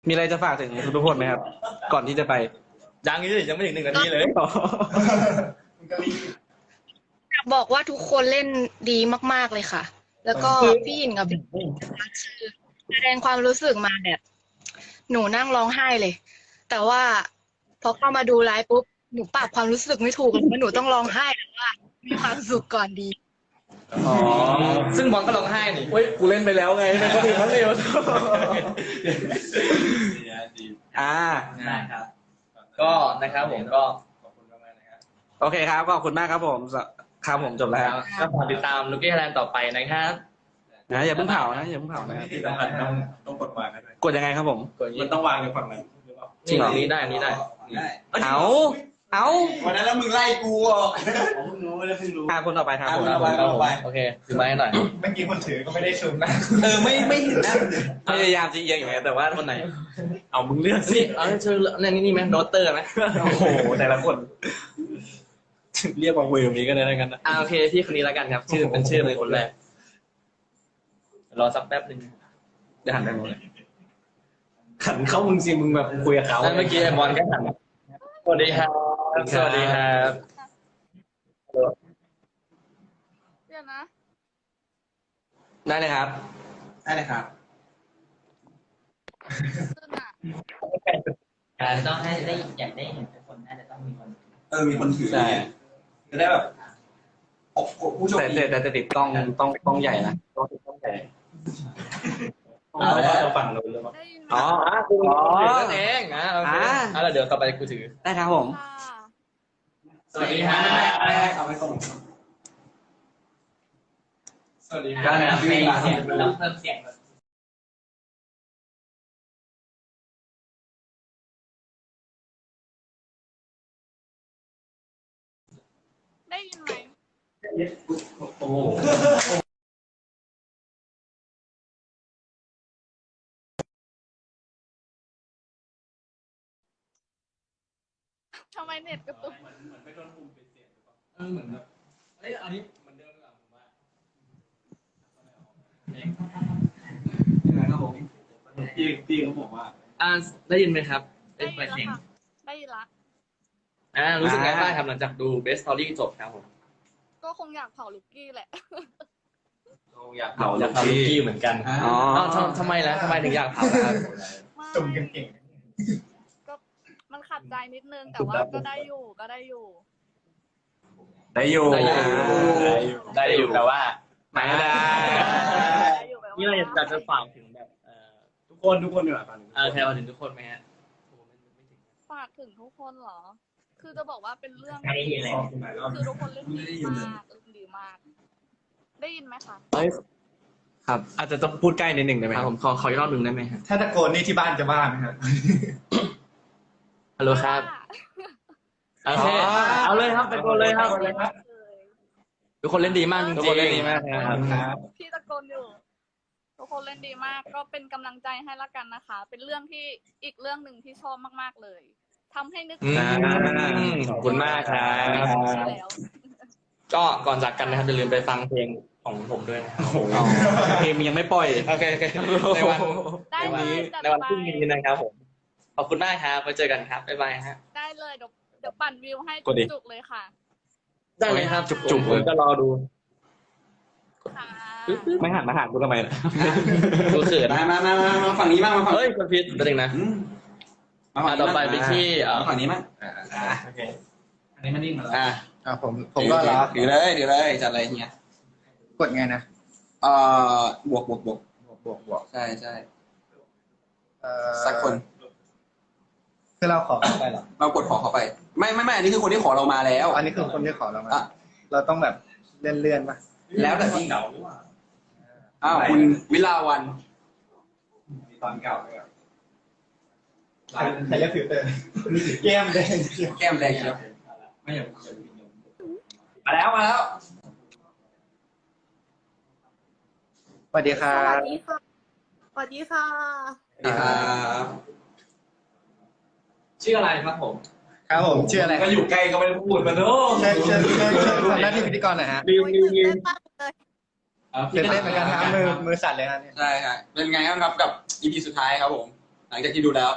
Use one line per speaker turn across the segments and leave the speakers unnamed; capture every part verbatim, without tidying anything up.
มีอะไรจะฝากถึงทุกคนไหมครับ ก่อนที่จะไป
ยังนี่ยังไม่ถึงหนึ่งนาทีเลย
อยากบอกว่าทุกคนเล่นดีมากๆเลยค่ะ แล้วก็พี่หยินกับพี่คือแสดงความรู้สึกมาแบบ หนูนั่งร้องไห้เลย แต่ว่าพอเข้ามาดูไลฟ์ปุ๊บหนูปรับความรู้สึกไม่ถูกเลยว่าหนูต้องร้องไห้หรือว่ามีความสุขก่อนดี
อ๋อ
ซึ่งบอลก็ร้องไห้นี่
เฮ้ยกูเล่นไปแล้วไงในคนอื่นเขาเร็วอ่า
ได้ครับ ก็นะครับผมก็ขอบคุณมากๆนะครับ
โอเคครับขอบคุณมากครับผมครับผมจบแล้ว
ก็ฝากติดตามลูกกี้ไทยแลนด์ต่อไปนะครับ
นะอย่าเพิ่งเผานะอย่าเพิ่งเผานะ
ที่สำคัญต้องต้องกดวางกันด้วย
กดยังไงครับผม
มันต้องวางในฝั่งไหนหรือเปล่า
จริงเหรอนี้ได้อันนี้ได้
ได้
เอาเอา
วันนั้นแล้วมึงไล่กูออกผมเพิ่งรู้แล้วเพิ่งรู้
อ่าคนต่อไปครับผม
อ่ะคนต่อไป
โอเคถือไม้ให้หน่อย
เมื่อกี้คนถือก็ไม่ได้ซูมนะเออไม่ไม่เห็นหน้า
พยายามจะเอียงอย่างไงแต่ว่า
คนไหน
เอามึงเลือกสิ
นี่เอาช่วยเนี่ยนี่นี่ไหมโนเตอร์ไหม
โอ้โหแต่ละคนเรียกว่าเวลนี้ก็ได้แล้วกันนะ
อ่าโอเคพี่คนนี้แล้วกันครับ ชื่อเป็นชื่อเลยคนแรกรอสักแป๊บหนึ่ง
เดี๋ยวหันไปมองเลยหันเข้ามึงสิมึงแบบคุยกับเขา
แล้วเมื่อกี้บอลก็หันสวัสดีครับสวัสดีครับ
เดี๋ยวนะ
ได้เลยครับ
ได้เลยครับ
การต้องให้ได้อยากได้เห็นทุกคนน่าจะต้องมีคน
เออมีคนถือ
ใช่
จะได้แบบผู้โชค
แต่
ดี
แต่แต่จะติดกล้องต้องกล้องใหญ่นะต้องติดกล้องใหญ่
เอาแล้วเราฝั่งเราหรือเปล่า
ได้ยินไหม
อ๋อ
อ่ะกูถือนั่นเองอ่ะโอเค
อ่า
อ่ะแล้วเดี๋ยวต่อไปกูถือ
ได้ครับผม
ค่ะ
สวัสดีครับ
เอาไปส่งสวัสดีค
ก็
รับ
เราเพิ่มเสียงเราเพิ่มเสียง
ได้ยินไหม
โอ้โห
ทำไมเน็ตกระตุก
เออเหมือนแบบเอ้ยอันนี้เหมือนเดิมหรือเปล่าผมว่า
ครับผมพี่พี่เขาบอกว่า
อ่าได้ยินไหมครับ
ได้ยินแล้วค่ะได้ยินละ
อ่ารู้สึกไงบ้างครับหลังจากดู Best Story จบครับผม
ก็คงอยากเผาลูกกี้แหละ
อยาก
เผาอยากเผาลูกกี้เหมือนกัน
อ๋อ
อ้าวทำทำไมล่ะทำไมถึงอยากเผาล่ะครับ
จุ่มกันเก่ง
ก็มันขัดใจนิดนึงแต่ว่าก็ได้อยู่ก็ได้อยู่
ได้อยู่
ได้อยู่ได้อยู่แต่ว่า
ไม่ได้
ได้อยู่แบบ
นี่เราอยากจะฝากถึงแบบเอ่อ
ทุกคนทุกคนดีกว่าตอนนี้
เออใครมาถึงทุกคนไหมฮะ
ฝากถึงทุกคนเหรอ คือจะบอกว่าเป็นเรื่อง
ใครได้ยินเลย
คือทุกคนเล่นดีมากเล่นดีมาก ได้ยินไหมคะ
ครับอาจจะต้องพูดใกล้นิดหนึ่งได้ไหม
ครับผมขอขออีกรอบหนึ่งได้ไหมครับ
ถ้าตะโกนนี่ที่บ้านจะบ้าไหมครับ
ฮัลโหลครับโอเคเอาเลยครับตะโกนเลยครับ ทุกคนเล่นดีมากจริงๆ
ทุกคนเล่นดีมากนะครับ
ครับ
พี่ตะโกนอยู่ ทุกคนเล่นดีมาก ก็เป็นกำลังใจให้ละกันนะคะ เป็นเรื่องที่อีกเรื่องหนึ่งที่ชอบมากๆเลยทำให้นึก
อืมขอบคุณมากครับ
แล้ว
ก็ก่อนจากกันนะครับอย่าลืมไปฟังเพลงของผมด้วยนะครับ
อ๋อเพลงมันยังไม่ปล่อย
โอเคโอเคในวัน
ได้
ใน
เล
วัน
ย
นี้
จัด
ในวัน
ไป
พรุ่งนี้นะครับผมขอบคุณมากครับไว้เจอกันครับบ๊ายบายฮะ
ได้เลยเดี๋ยวเดี๋ยวปั่นวิวให้
กดดิ
จุกๆเลยค่ะ
ได้เลยครับ
จุกๆ
ผมจะรอดู
ค่ะ
ไม่หันมาหากูทำไมล่ะ
ดูเขิน
มามามามามาฝั่งนี้บ้างมาฝั่ง
เฮ้ยคนพิษประเด็นนะ
อืมมาฝั่ง
อ่ะต่อไปไปที่เอ่อ
มาฝั่งนี้มั้ง
โอเค
อันนี้มันนิ่งมาแล้ว
อ่ะ
อ่าผมผมก็รับ
ถือเลยถือเลยจัดอะไรเงี้ย
กดไงนะ
เอ่อบวกบวกบวก
บวกบวกบวก
ใช่ใช่
เอ่อ
สักคน
คือเราขอเข้าไปเหรอ
เรากดขอเขาไป ไม่ไม่ไม่อันนี้คือคนที่ขอเรามาแล้ว
อันนี้คือคนที่ขอเรามา
อ่ะ
เราต้องแบบเลื่อนเลื่อนๆป่ะ
แล้วแต่ที่อ้าวคุณวิลาวัน
ตอนเก่าเลยใครใครเรียกฟิลเตอร์แก้มแดง
แก้มแดงเชียวมาแล้วมาแล้ว
สวัสดีครั
สวั
บ
สดีค่ะ สวัสดีค่ะ
สวัสดีครับ
ชื่ออะไรครับผม
ครับผมชื่ออะไร
ก็อยู่ใกล้ก็ไม่ได้พูดมาโน้
เชิญเชิญเชิญเชิญทำหน้าที่พิธีกรหน่อยฮะ
ลืมลืมลืม
ตื่นเต้นเหมือนกันครับมือมือสั่นเลยฮะเนี่ย
ใช่ครับเป็นไงบ้างครับกับ อี พี สุดท้ายครับผมหลังจากที่ดูแล้ว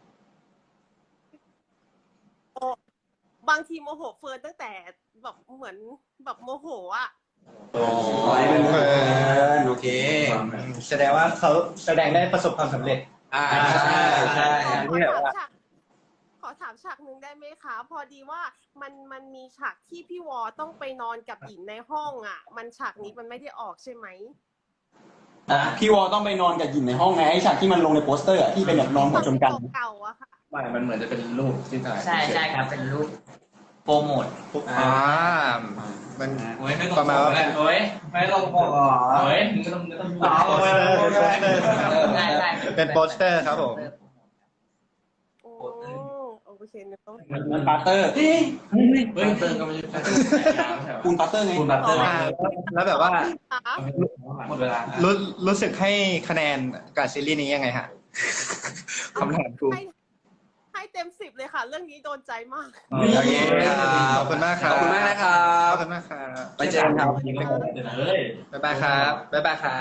บางทีโมโหเฟิร์นตั้งแต่แบบเหมือนแบบโมโหอ่ะ
อ๋อเป็นเฟิร์นโอเค
แสดงว่าเขาแสดงได้ประสบความสำเร็จ
อ่าใช่ใช่
ขอ
ที่แบบ
ถาม
ว่า
ฉากขอถามฉากหนึ่งได้ไหมคะ พอดีว่ามันมันมีฉากที่พี่วอต้องไปนอนกับหญินในห้องอ่ะ มันฉากนี้มันไม่ได้ออกใช่ไหม
อ๋อพี่วอต้องไปนอนกับหญิงในห้องไงไอ้ฉากที่มันลงในโปสเตอร์อะที่เป็นแบบนอนหัวชนกัน
เก่าๆอะค่ะ
ไม่มันเหมือนจะเป็นรูปที่ถ่าย
ใช่ใช่ครับเป็นรูปโปรโมท
อ่ามัน
โอ้ยไม่ต้อง
ประมาณว่า
โอ้ยไม่ต้องบอกโอ้ยไม่ต้องไม่ต้องบอกใช่ใช่
เป็นโปสเตอร์ครับผม
โอ้โอเคเนอะ
มันปาร์เตอร์
เฮ้ยเติมก็ไม่ใช่
ปูนปาร์เตอร์ไง
คุณบัตเตอร์
อ่าแล้วแบบว่า
คะ
หมดเวลา
รู้รู้สึกให้คะแนนกับซีรีส์นี้ยังไงฮะคำถามกู
ให้ให้เต็มสิบเลยค่ะ เรื่องนี้โดนใจมาก
โอเคขอบคุณมากค
ข
รั
อ
บบ
คุณมากนะครับ
ขอบคุณมากครับ
ไปเจอกันครับ
เฮ้ย
บ๊ายบายครับบ๊ายบายครับ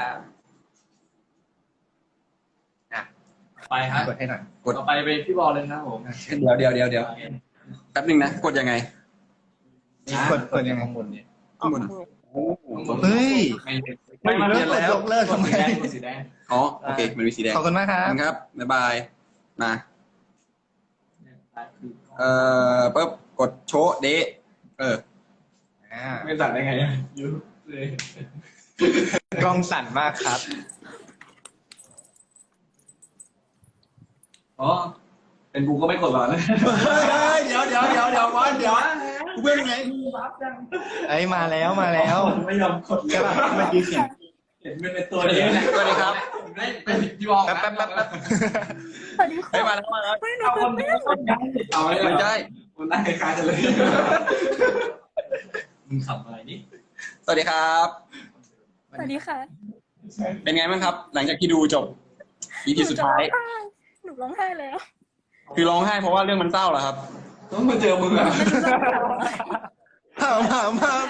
ไปฮะ
กดให้หน่อย
ต่อไปเป็นพี่บอลเลยครับผม
เดี๋ยวเดี๋ยวเดี๋ยวเดี๋ยวแป๊บนึงนะกดยังไง
กดกดยังไง
ข้างบนเนี่ย
ข้างบน
เฮ้ย
ไม่มา
เลิกยกเลิกทำไม
สีแดงสีแดง
อ๋อโอเคมันมีสีแดง
ขอบคุณมากค
ข
รั
อ
บบ
คุณครับบ๊ายบายมาเอ่อปุ๊บกดโชว์เดะเออ
อ่า
ไม่สั่นได้ไงยูเลย
กล้องสั่นมากครับ
อ๋อเป็นกูก็ไม่กดหรอกนะ
เดี๋ยวเดี๋ยวเดี๋ยวเดี๋ยวบอลเดี๋ยวกูเพื่อนไง
ไอ้ยมาแล้วมาแล้ว
ไม่ยอมกด
ใช่ป่ะเมื่อกี้เสียง
เห็นเป็นตัวเดียว
สวัสดีครับ
เป็นพี่บอล
แป๊บแป๊บแป๊บแป๊บ
เฮ้ยมาแล้วมาแล้ว
เอาคนเอาไม่
ไม่
ได้
ใช่
คุณนั่งคล้ายๆกันเลยมึงขำอะไรนี่
สวัสดีครับ
สวัสดีค่ะ
เป็นไงบ้างครับ หลังจากที่ดูจบ อี พีสุดท้าย
หนูร้องไห้แล้ว
คือร้องไห้เพราะว่าเรื่องมันเศร้าเหรอครับ
ต้องมาเจอมึงอ่ะ
ถามถามถาม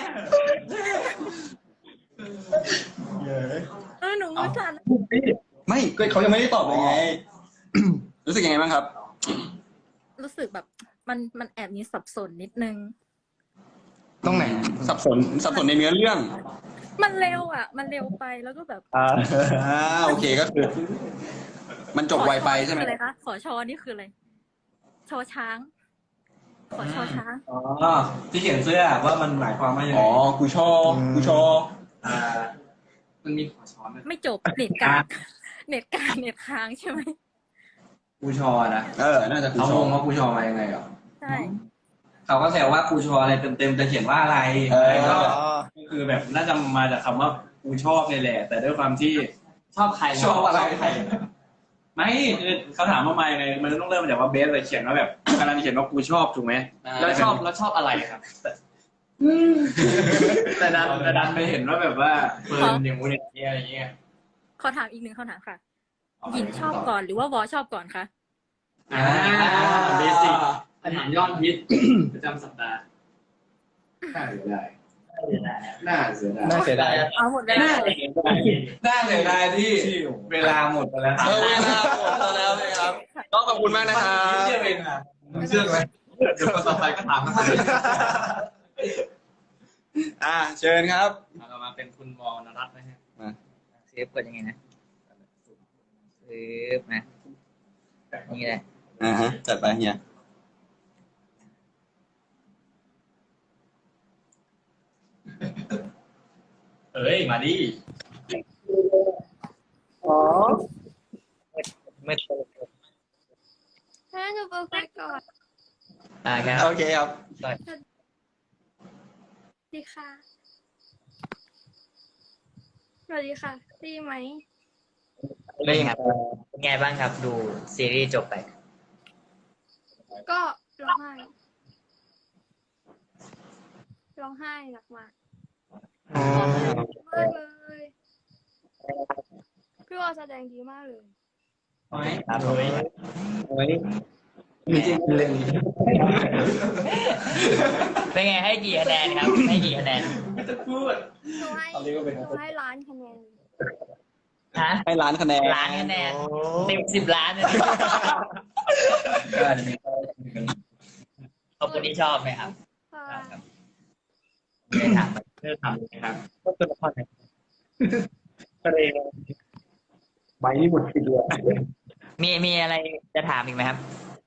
เออหนูมือสั่น
ไม่ก็เขายังไม่ได้ตอบเลยไง รู้สึกยังไงบ้างครับ
รู้สึกแบบมันมันแอบมีสับสนนิดนึง
ตรงไหน
สับสนสับสนในเนื้อเรื่อง
มันเร็วอ่ะ มันเร็วไปแล้วก็แบบ
อ่า
อ่าโอเคก็คือ มันจบไวไปใช่ไหม
ขอชอนี่คืออะไรคะขอชอนี่คืออะไรชอช้าง ขอชอช้าง
อ๋อที่เขียนเสื้อว่ามันหมายความว่ายังไง
อ๋อกูชอบกูชอบ
อ่ามันมีขอช้อนไหม
ไม่จบเน็ตกลางเน็ตกลางเน็ตค้างใช่ไหม
กูชอนะ
เออ น่าจะกู
เขา
ช
ง
อบ
งว่ากูชอมายังไงเหรอ
ใช่
เขาก็แซวว่ากูชออะไรเต็มๆจะเขียนว่าอะไร
เออ
ก็คือแบบน่าจะมาจากคำว่ากูชอบนี่แหละ แต่ด้วยความที่
ชอบใคร
ชอบอะไรไม่คือเขาถามว่ามายังไงมันต้องเริ่มมาจากว่าเบสเลยเขียนว่าแบบกำลังเขียนว่ากูชอบถูกไหม
แล้วชอบแล้วชอบอะไรครับ
แต่ดันแต่ดันไปเห็นว่าแบบว่าเฟิร์นอย่างงู้นอย่างนี้อะไรเงี้ย
ขอถามอีกหนึ่งคำถามค่ะหญิงชอบก่อนหรือว่าวอชอบก่อนคะ
อ่าเบสิกคำถามยอดฮิตประจำสัปดาห์น่าเสียดายน่าเสียดาย
น่าเสียดาย
เอาหมดเลย
น่าเสียดายน่าเสียดายที่เวลาหมดไปแล้ว
เออเวลาหมดแล้วนะครับก็ขอบคุณมากนะครับ
เชื่อเองอ่ะเชื่อไหมเดี๋ยวต่อไปก็ถาม
อ่าเชิญครับ
เรามาเป็นคุณวอลนรัตน์นะฮะ
เซฟกดยังไงนะเซฟนะนี่แหละ
อ่าฮะจัดไปเฮีย
เอ้ยมาดิ
ไม่
ถ้าหนูเปิดไฟก่อน
อ่าครับ
โอเคครับ
ดีค่ะสวัสดีค่ะดีไหม
เป็นไงครับเป็นไงบ้างครับดูซีรีส์จบไป
ก็ร้องไห้ร้องไห้หนักมากมากเลยพี่วอแสดงดีมากเลย
ครับผม เป็นไงให้กี่คะแนนครับ ให้กี่คะแนน
ไม่จะพูด
หนูให้หนูให้ล้านคะแนน
ฮะ
ให้ล้านคะแนน
ล้านคะแนนเต็มสิบล้านเลยก็อาจจะมีขอบคุณที่ชอบไหมครับ
ค่ะ
ครับไม่ได้ถาม
ไม่ได้ถามเลยครับก็เป็นละครไหนทะเลใบนี่หมดทีเดียว
มีมีอะไรจะถามอีกไหมครับ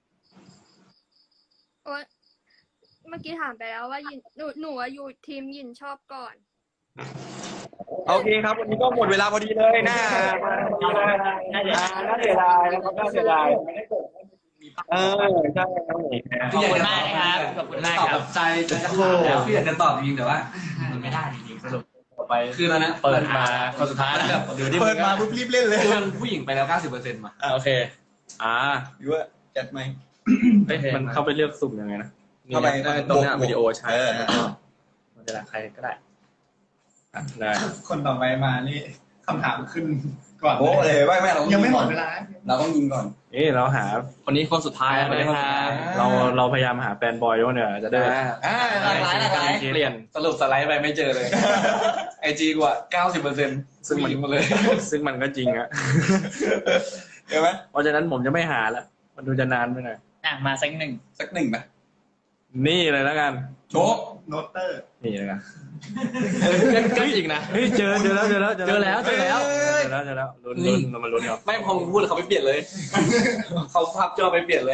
โอ๊ยเมื่อกี้ถามไปแล้วว่ายินหนูหนูอะอยู่ทีมยินชอบก่อน
โอเคครับวันนี้ก็หมดเวลาพอดีเลยน่าน่าจะน่าเสียดายนะครับน่าเสียดายเออใช่ครับ
ขอบคุณมากนะครับขอบคุณมาก
ตอบ
ค
แบ
รับบ
ใจใจจะขาดแล้วพี่อยากจะตอบจริงแต่ว่า
มันไม่ได้จริงๆสรุป
ต่อไป
คือตอนนั้น
เปิดมาคนสุดท้ายแล้วแบบเดี๋ยวที่
เปิดมาปุ๊บรีบเล่นเลย
คือมันผู้หญิงไปแล้วเก้าสิบเปอร์เซ็นต์มา
โอเคอ่า
หรือว่าจัดไหม
เอ๊ะมันเข้าไปเลือกสุ่มยังไงนะ
เข้าไป
ตรงเนี้ยวิดีโอใช้
เออ
แล้วก็มันจะได้ใครก็ได้อ่ะได้
คนต่อไปมานี่คำถามขึ้นก่อน
โอ้เลยไม่ไม่เรา
ยังไม่หมดเวลา
เราต้องยิงก่อน
เอ๊ะเราหา
คนนี้คนสุดท้ายแล้วนะครับ
เราเราพยายามหาแฟนบอยด้วยเนี่ยจะได้
อ่าหลากหลายหลากหลาย
เปลี่ยน
สรุปสไลด์ไปไม่เจอเลยไอจีกว่าเก้าสิบเปอร์เซ็นต์ซึ่งมันมาเลย
ซึ่งมันก็จริงอะ
เห็นไหม
เพราะฉะนั้นผมจะไม่หาแล้วมันดูจะนานไปหน่อย
อ่ะมาสักหนึ่ง
สักหนึ่งนะ
นี่เลยแล้วกัน
โชว์
โนเตอร์
นี่เลยกัน
ก็อีกนะ
เฮ้ยเจอเจอแล้วเจอแล้ว
เจอแล้วเจอแล้ว
เจอแล้วเจอแล้วลุ้นลุ้นเรามาลุ้นกัน
ไม่พอมึงพูดแล้วเขาไม่เปลี่ยนเลย เขาพับจอไปเปลี่ยนเลย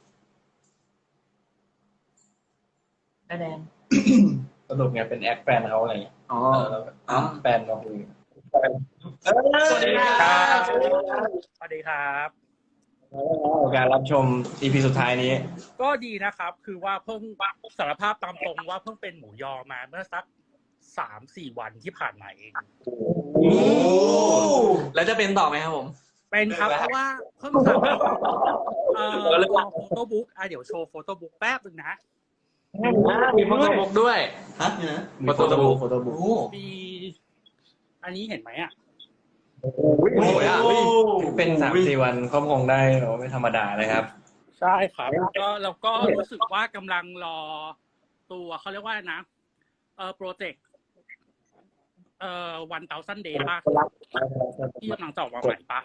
ก็แดง
สรุปไงเป็นแอคแฟนเขาอะไรอย่างเงี้ย
อ๋อ
อ๋อแฟนเราคือ
สวัสดีครับ
สวัสดีครับ
การรับชม อี พี สุดท้ายนี้
ก็ดีนะครับ คือว่าเพิ่งสารภาพตามตรงว่าเพิ่งเป็นหมูยอมาเมื่อสักสามสี่วันที่ผ่านมาเอง
โอ้แล้วจะเป็นต่อไหมครับผม
เป็นครับเพราะว่าเพิ่งทำเอ่อโฟโต้บุ๊กอ่ะเดี๋ยวโชว์โฟโต้บุ๊กแป๊บนึงนะ
มีโฟโต้บุ๊กด้วย
ฮะเนี่ยนะ
มีโฟโต้บุ๊กโฟโต้บุ๊ก
มีอันนี้เห็นไหมอ่ะ
โอ้ยอ่ะเป็นสามสี่วันก็คงได้เราไม่ธรรมดาเลยครับ
ใช่ครับก็แล้วก็รู้สึกว่ากำลังรอตัวเขาเรียกว่านะ เอ่อโปรเจกต์เอ่อวันเตาซันเดย์ป่ะที่กำลังจะออกมาใหม่ป่ะ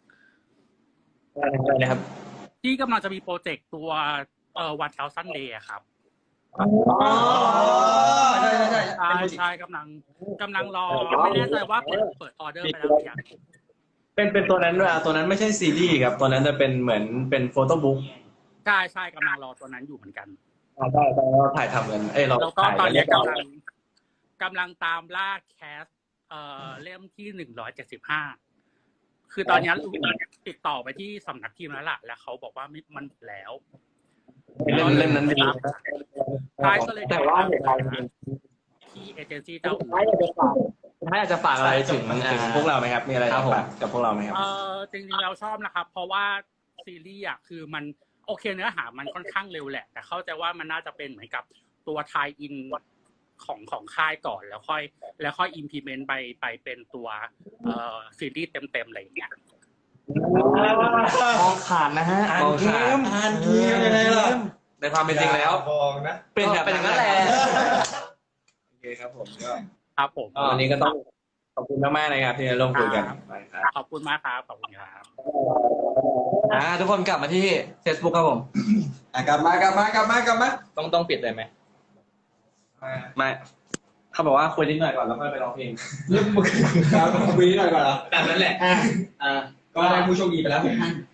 อะไรนะครับ
ที่กำลังจะมีโปรเจกต์ตัวเอ่อวันเตาซันเดย์ครับ
อ๋อใช่ใช่ใช่
ใช่ใช่กำลังกำลังรอไม่แน่ใจว่าเปิดเปิดออเดอร์ไปแล้วหรือยัง
เป็นเป็นตัวนั้นด้วยอ่ะตัวนั้นไม่ใช่ซีรีส์ครับตัวนั้นจะเป็นเหมือนเป็นโฟโต้บุ๊ก
ใช่ใช่กำลังรอตัวนั้นอยู่เหมือนกัน
อ่าใช่ใช่เราถ่ายทำกันเอ้ยเรา
แล้วก็
ถ่าย
ตอน
กัน
นี้
เรียบร้อย
กำลังกำลังตามล่าแคสเอ่อเล่มที่หนึ่งร้อยเจ็ดสิบห้าคือตอนนี้ติดต่อไปที่สำนักพิมพ์แล้วล่ะแล้วเขาบอกว่าไม่มันหมดแล้ว
เล่มเล่มนั้นดี
ใช่ก็เลย
แต่ว่าเดี๋ยวเรา
ที่เอเจนซี่เจ้าอื่น
ท้ายอยากจะฝากท้ายอยากจะฝากอะไรถึงถึงพวกเราไหมครับมีอะไรจะฝากกับพวกเราไหมครับ
เออจริงๆเราชอบนะครับ เพราะว่าซีรีส์อ่ะคือมันโอเคเนื้อหามันค่อนข้างเร็วแหละ แต่เข้าใจว่ามันน่าจะเป็นเหมือนกับตัวไทยอินของของค่ายก่อนแล้วค่อย แล้วค่อย implement ไปไปเป็นตัวเอ่อซีรีส์เต็มๆอะไรอย่างเงี้ย
มองขาดนะฮะ
อ่าน
มอง
เก
ขาด
มอ่านเกมยังไงล่ะ
ในความเป็นจริงแล้ว
มองนะ
เป็นแบบ
เป็นอย่างนั้นแหละ
โอเคครับผมก็
ครับผม
วันนี้ก็ต้องขอบคุณมากๆนะครับที่ได้ร่วมคุยกันครับ
ขอบคุณมากครับขอบคุณครับ
อ่าทุกคนกลับมาที่ Facebook ครับผม
อ่ะกลับมากลับมากลับมากลับมา
ต้องต้องปิดเลยไหมไม่เขาบอกว่าคุยนิดหน่อยก่อนแล้วค่อยไปร้องเพลง
ครับคุยนิดหน่อยก่อนเหรอ
แบบนั้นแหละ
อ่าอ่าก็ได้ผู้โชคดีไปแล้วหกท่าน